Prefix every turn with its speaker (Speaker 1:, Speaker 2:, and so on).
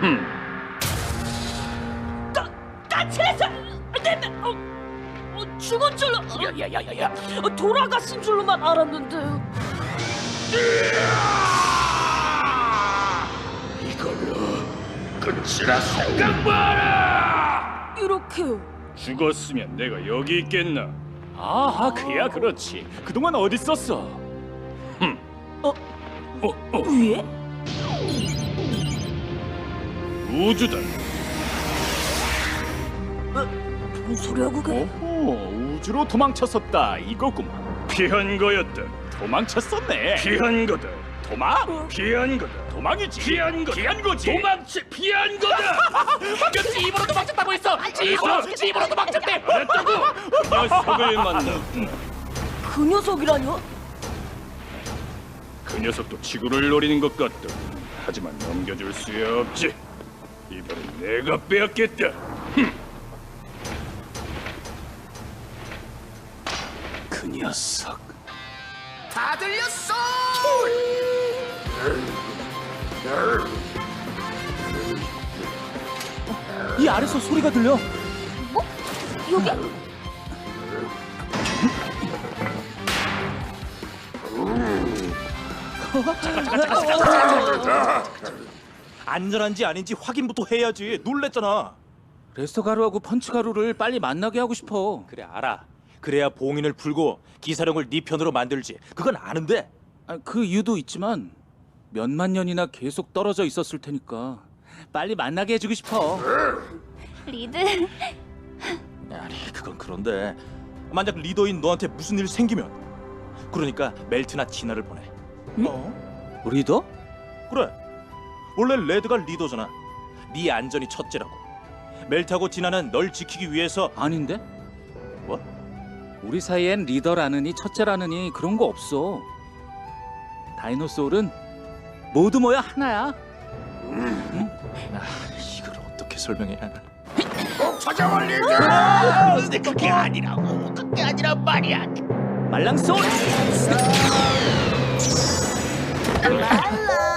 Speaker 1: 까칠해서 죽은 줄로
Speaker 2: 야야야야야.
Speaker 1: 돌아갔은 줄로만 알았는데.
Speaker 2: 이걸로 끝이라 생각 마라.
Speaker 1: 이렇게
Speaker 3: 죽었으면 내가 여기 있겠나?
Speaker 4: 아하, 그야 그렇지. 그동안 어디 있었어?
Speaker 1: 위에?
Speaker 3: 우주다.
Speaker 1: 뭔 소리야 그게?
Speaker 4: 오호, 우주로 도망쳤었다 이거구만.
Speaker 3: 피한 거였다.
Speaker 4: 도망쳤었네.
Speaker 3: 피한 거다.
Speaker 4: 도망?
Speaker 3: 피한 거다.
Speaker 4: 도망이지.
Speaker 3: 피한 거다.
Speaker 4: 피한 거지.
Speaker 3: 피한 거다.
Speaker 2: 방금 집으로 도망쳤다고 했어. 집으로 도망쳤대.
Speaker 3: 그랬다고. 녀석을 만나.
Speaker 1: 그 녀석이라뇨?
Speaker 3: 그 녀석도 지구를 노리는 것 같다. 하지만 넘겨줄 수 없지. 이번엔 내가 빼앗겠다.
Speaker 4: 그 녀석.
Speaker 2: 다 들렸어.
Speaker 4: 이 아래서 소리가 들려.
Speaker 1: 여기?
Speaker 5: 안전한지 아닌지 확인부터 해야지. 놀랬잖아.
Speaker 4: 레스터 가루하고 펀치 가루를 빨리 만나게 하고 싶어.
Speaker 5: 그래 알아. 그래야 봉인을 풀고 기사령을 네 편으로 만들지. 그건 아는데.
Speaker 4: 그 이유도 있지만 몇만 년이나 계속 떨어져 있었을 테니까 빨리 만나게 해주고 싶어.
Speaker 6: 리드,
Speaker 5: 아니 그건 그런데 만약 리더인 너한테 무슨 일 생기면 그러니까 멜트나 진아를 보내.
Speaker 4: 리더?
Speaker 5: 그래. 원래 레드가 리더잖아. 네 안전이 첫째라고. 멜트하고 진아는 널 지키기 위해서.
Speaker 4: 아닌데?
Speaker 5: 뭐?
Speaker 4: 우리 사이엔 리더라느니 첫째라느니 그런 거 없어. 다이노소울은 모두 모여 하나야.
Speaker 5: 이걸 어떻게 설명해야 하나.
Speaker 2: 찾아올 리더. 근데 그게 아니라고. 그게 아니란 말이야.
Speaker 4: 말랑소울.
Speaker 6: 랄라.